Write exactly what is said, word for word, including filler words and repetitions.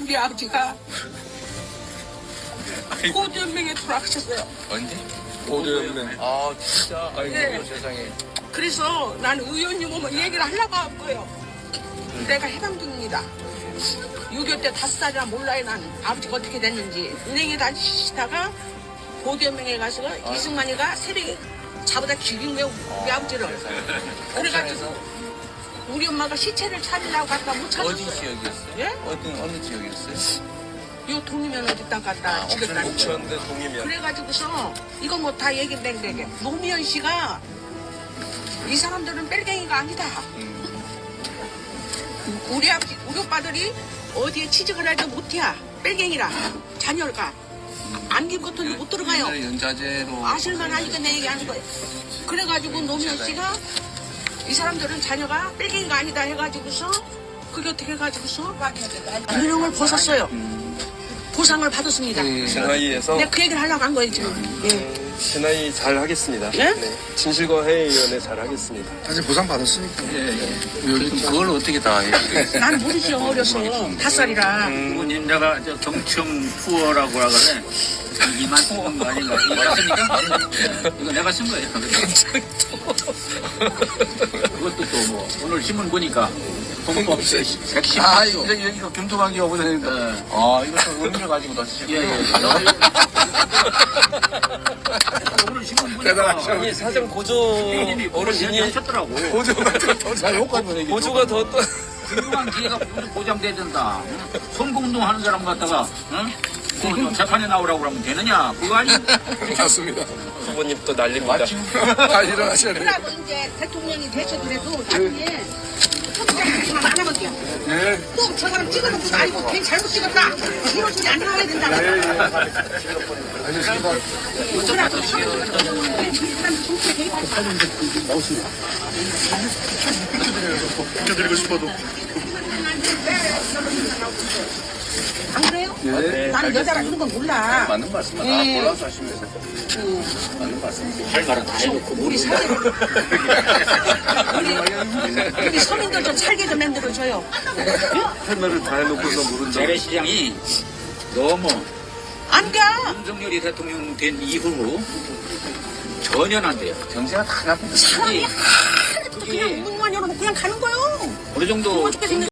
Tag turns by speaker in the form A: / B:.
A: 우리 아버지가 고두연맹에 돌아가셨어요.
B: 언제?
C: 고대연맹.
B: 아 진짜. 아이고
A: 네.
B: 세상에.
A: 그래서 난 의원님 오면 얘기를 하려고 할 거예요. 내가 해방중입니다. 육이오 때 다섯 살이나 몰라요. 난 아버지가 어떻게 됐는지. 은행에 다니시다가 고두연맹에 가서 이승만이가 새벽에 자보다 죽인 거예요. 우리 아버지를. 그래가지고 우리 엄마가 시체를 차리려고 갔다 못 찾았어요.
B: 어디 지역이었어요?
A: 예?
B: 어떤 어느 지역이었어요?
A: 요 동이면 어디 땅 갔다
B: 아,
A: 죽였다는 거예요.
C: 옥천대 동이면.
A: 그래가지고서 이거 뭐 다 얘기 뱅뱅해. 노무현 씨가 이 사람들은 뺄갱이가 아니다.
B: 음.
A: 우리 아버지, 우리 오빠들이 어디에 취직을 해도 못해야 뺄갱이라 자녀가 안김 것도 못 들어가요.
B: 옛날에 연자제로.
A: 아실만 하니까 내 얘기하는 거예요. 그래가지고 노무현 씨가 이 사람들은 자녀가 뺄갱이가 아니다 해가지고서 그게 어떻게 해가지고서 유령을 벗었어요. 보상을 받았습니다.
B: 음.
C: 진화위에서
A: 내가 그 얘기를 하려고 한 거예요 지금. 예.
C: 진화위 잘 하겠습니다.
A: 예?
C: 네. 진실과 회의위원회 잘 하겠습니다.
D: 사실 보상 받았으니까.
B: 예, 예. 그럼 그걸 어떻게 다 해?
A: 난 모르죠 어려서 다섯 살이라.
E: 부모님 내가 저 경청 투어라고 그래 이만 쓴 거 아닌가? 이거 쓰니까 이거 내가 쓴 거예요. 그것도 또 뭐 오늘 신문 보니까 공법 백십
B: 아
E: 조.
B: 이거 이거 금토강기 어부다니까.
E: 네.
B: 아 이것도 의미를 가지고 넣으시고.
E: 예, 예. 오늘 신문 보니까
C: 이 사정 고조
E: 어르신이
C: 어르신이
E: 하셨더라고.
B: 나 욕하는 얘기.
C: 고조가 더 또.
E: 훌륭한 기회가 모두 보장돼야 된다. 선거운동 하는 사람 갖다가 응? 그 재판에 나오라고 그러면 되느냐? 그거 아니?
D: 맞습니다.
C: 부모님 또 난립니다.
D: 다 일어나셔야 돼요.
A: 그러고 이제 대통령이 되셔더라도 나중에 포토그래프만 안 하거든요. 또 저 사람 찍어놓고 아이고 괜히 잘못 찍었다. 이런 소리 안 나와야 된다.
D: 드리고 싶어도.
A: 안 그래요? 나는 여자라 이런 건 몰라.
B: 맞는 말씀. 아
A: 예.
B: 몰라서 하시면서. 맞는 말씀.
E: 할 말은 다 해놓고
A: 우리 사회 우리, 우리 서민들 좀 살게 좀 만들어줘요.
C: 할 말을 다 해놓고서 모른다.
E: 재래시장이 너무
A: 안 가.
E: 윤석열이 대통령 된 이후로 전혀 안 돼요.
B: 정세가 다 나쁘다.
A: 사람이 하나도 그냥 문만 열어놓고 그냥 가는 거요.
E: 어느 정도
A: 어떻게 생각